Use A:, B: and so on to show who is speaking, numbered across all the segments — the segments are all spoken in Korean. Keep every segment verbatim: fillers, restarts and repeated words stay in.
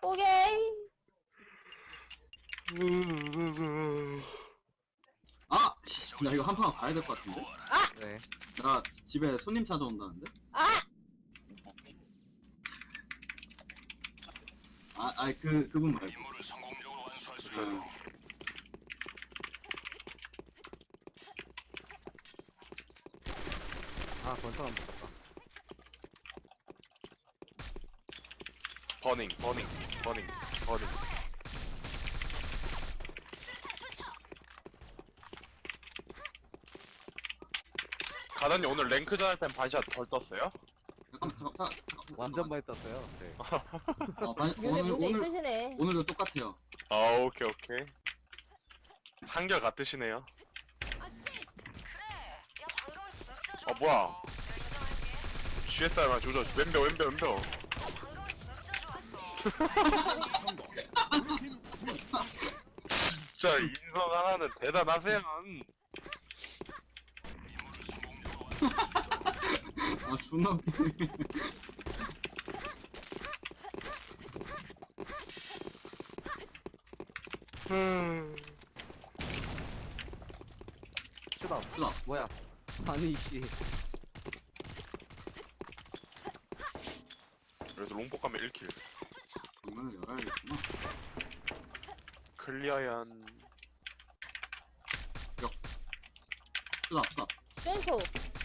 A: 오케이.
B: 아! 씨, 나 이거 한 판 가야 될 것 같은데?
C: 네.
B: 나 집에 손님 찾아온다는데?
A: 아!
B: 아, 아니, 그, 그분 말고. 그,
C: 아, 그건 사람 붙었다.
D: 버닝, 버닝, 버닝, 버닝. 가단님 오늘 랭크전 할 땐 반샷 덜 떴어요?
B: 잠깐만, 잠깐만, 잠깐만. 잠깐만.
C: 완전 많이 떴어요. 네.
B: 어, 반,
A: 요새
B: 오늘,
A: 문제
B: 오늘,
A: 있으시네.
B: 오늘도 똑같아요.
D: 아, 오케이, 오케이. 한결 같으시네요. 아, 뭐야. 지에스알만 조져. 왼벽, 왼벽, 왼벽. 진짜 인성 하나는 대단하세요.
B: 아, 존나 웃기네.
C: 슈다.
B: 슈다.
C: 뭐야? 아니, 씨.
D: 그래도 롱복 가면 일 킬.
B: 정말 열어야겠구나.
D: 클리어얀.
B: 슈다, 슈다.
A: 센터.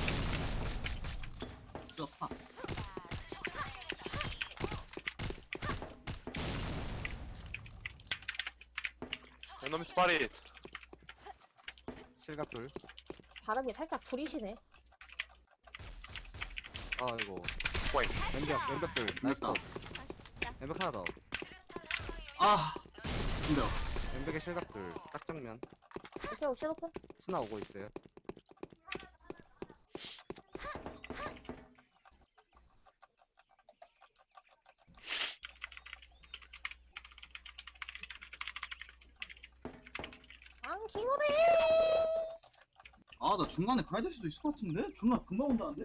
B: 슈다, 슈다.
D: 에너미 스파릿.
C: 실각 둘.
A: 발음이 살짝 구리시네.
C: 아, 이거.
D: 포잉.
C: 왼벽, 왼벽 둘. 나이스
B: 됐다.
C: 컷. 왼벽 하나 더.
B: 아! 근데요.
C: 왼벽에 실각 둘. 딱 정면.
A: 오케이, 옵션 오픈.
C: 스나 오고 있어요.
A: 앙, 기모래!
B: 아, 나 중간에 가야 될 수도 있을 것 같은데? 존나 금방 온다는데?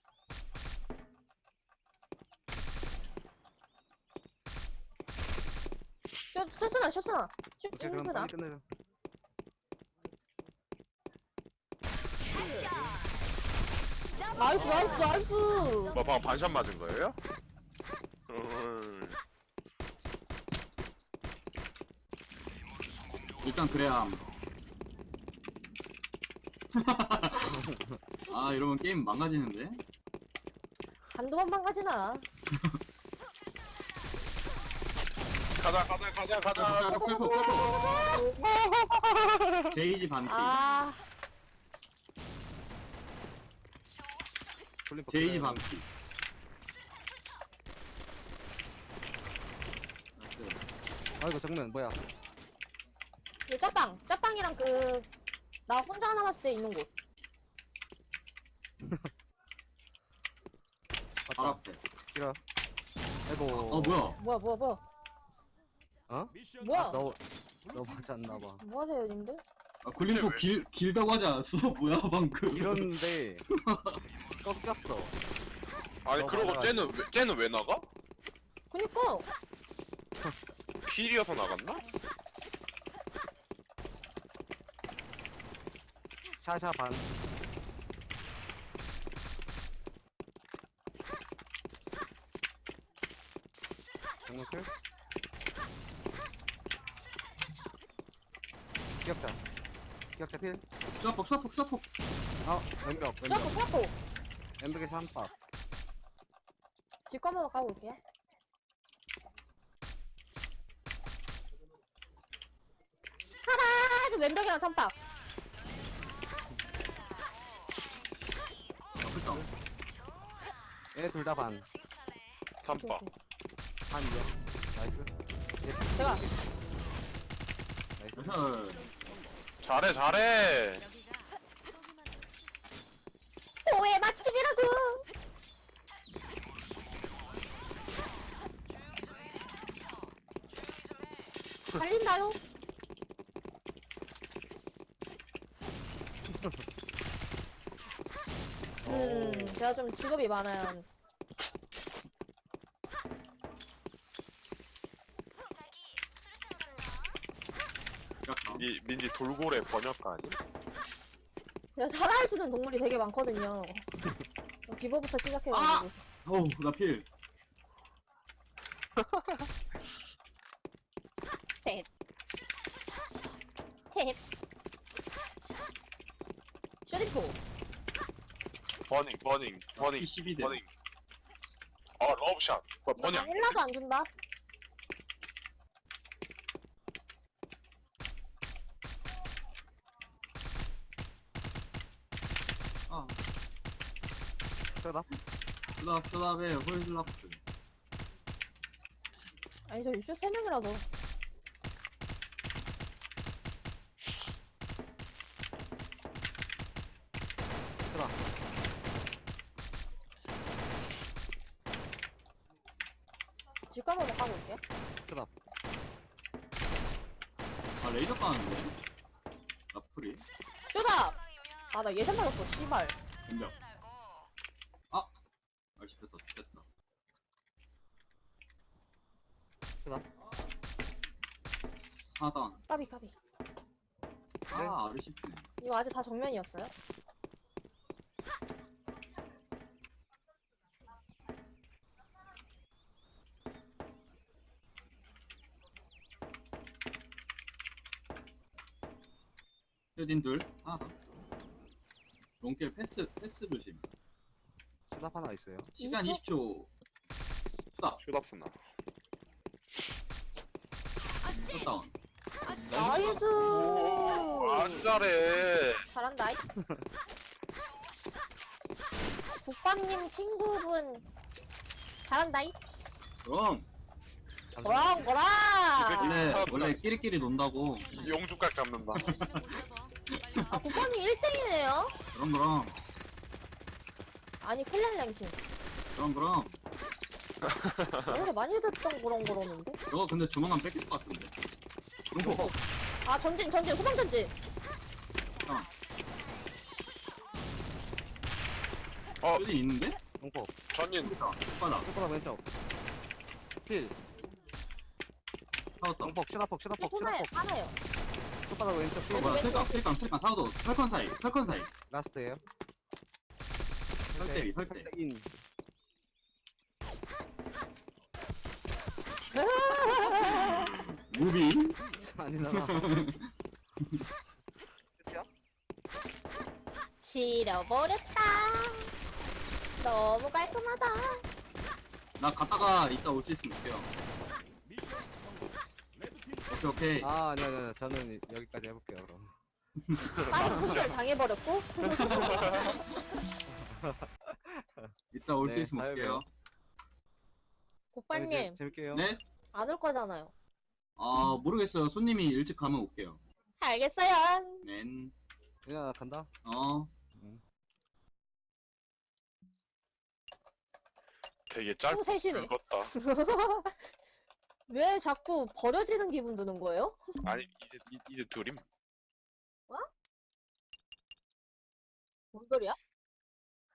A: 쇼, 쇼스나, 쇼스나. 쇼,
C: 오케이, 그럼
A: 쇼스나.
C: 빨리 끝내자.
A: 나이스, 나이스, 나이스.
D: 뭐 방금 반샷 맞은 거예요? 음.
B: 일단 그래야 함. 아, 이러면 게임 망가지는데?
A: 한두 번 망가지나.
D: 가자, 가자, 가자, 가자.
B: 콜포, 콜포, 콜포. 제이지 반피.
A: 아,
C: 콜린
B: 제이지
C: 퍼플.
B: 반피. 나이스.
C: 아, 이거 정면, 뭐야?
A: 그 짜빵. 짜빵이랑 그, 나 혼자 남았을 때 있는 곳.
B: 바로
C: 맞다.
B: 앞에.
C: 길어. 아이고.
B: 어, 뭐야?
A: 뭐야, 뭐야, 뭐야.
C: 어?
A: 뭐야?
C: 아, 너, 너 맞지 않나봐.
A: 뭐 하세요, 님들?
B: 아, 굴림포 길, 길다고 하지 않았어? 뭐야, 방금.
C: 이러는데, 꺾였어.
D: 아니,
C: 너
D: 그러고
C: 맞아가지고.
D: 쟤는, 왜- 쟤는 왜 나가?
A: 그니까.
D: 필이어서 나갔나?
C: 샤샤 반. 정면 클? 기억자. 기억자 필.
B: 쏴폭, 쏴폭, 쏴폭.
C: 어, 왼벽,
A: 쏘고,
C: 왼벽.
A: 쏘고.
C: 왼벽에서 한 박.
A: 집 한번 가고 올게. 하나, 그 왼벽이랑 삼박.
B: 아프다.
C: 얘 둘 다 반.
D: 삼바.
C: 반이요. 나이스. 얘
A: 제가.
C: 나이스.
B: 나이스.
D: 잘해, 잘해.
A: 오해 맛집이라고. 달린다요. 음, 제가 좀 직업이 많아요.
D: 이 민지 돌고래 번역가 아니?
A: 그냥 살아할 수 있는 동물이 되게 많거든요. 비버부터 시작해가지고.
B: 어우, 나 필.
A: 헷. 헷. 슈리포.
D: 버닝 버닝 버닝
B: 십이 대.
D: 버닝. 아 러브샷. 어,
A: 나
D: 번역.
A: 일라도 안 준다.
B: 아,
C: 셋업.
B: 쓰다, 쓰다베, 홀슬라프.
A: 아니 저 유쇼 세 명이라서.
C: 셋업.
A: 뒷가방을 까고 올게.
C: 셋업.
B: 아, 레이저 까는데? 라플이?
A: 쇼다! 아 나 예션 맞았어 씨발.
B: 공격. 아! 아, 씹혔다, 씹혔다.
C: 셋업.
B: 하나 다운.
A: 까비 까비.
B: 아, 아르 씹히네.
A: 이거 아직 다 정면이었어요?
B: 헤딘 둘, 하나 더. 롱길 패스, 패스 조심.
C: 셋업 하나 있어요.
B: 시간
A: 이십 초?
B: 이십 초. 수다,
D: 슛업스나.
B: 슛다운.
A: 나이스!
D: 아주 잘해.
A: 잘한다. 이. 국밥님 친구분 잘한다. 이.
B: 그럼,
A: 거랑 거랑.
B: 원래,
D: 아,
B: 원래 끼리끼리 논다고.
D: 용주각 잡는다.
A: 아 국밥님 일 등이네요.
B: 그럼, 그럼.
A: 아니 클랜 랭킹.
B: 그럼, 그럼.
A: 오늘 많이 듣던 그런 거라는데.
B: 저거 근데 조만간 뺏길 것 같은데. 롱포.
A: 아 전진 전진 후방 전진.
D: 어
B: 쇼딘 있는데?
C: 롱포.
D: 전인
B: 오빠다.
C: 셋업 왼쪽. 필.
B: 사웠다.
C: 롱폭. 셋업폭. 셋업폭.
A: 하나요
C: 셋업폭.
A: 하나요.
C: 왼바닥 왼쪽 필.
B: 어, 뭐야, 슬감, 슬감, 슬감, 사우도. 설컨 사이, 설컨 사이.
C: 라스트에요.
B: 설대위, 설대.
C: 인.
B: 무비.
C: 아니잖아. 끝이야?
A: 지려버렸다. 너무 깔끔하다.
B: 나 갔다가 이따 올 수 있으면 올게요. 오케이, 오케이.
C: 아, 아니, 아니, 아니. 저는 여기까지 해볼게요, 그럼.
A: 빠른 손절 당해버렸고.
B: 이따 올 수
C: 네,
B: 있으면
C: 잘
B: 올게요.
A: 국밥님
C: 재밌게요.
B: 네?
A: 안 올 거잖아요.
B: 아, 모르겠어요. 손님이 일찍 가면 올게요.
A: 알겠어요.
B: 넨.
C: 그냥 나 간다.
B: 어.
D: 되게
A: 또
D: 짧고
A: 셋이네.
D: 굵었다.
A: 왜 자꾸 버려지는 기분 드는 거예요?
D: 아니 이제 이- 이제 둘임.
A: 뭔 소리야?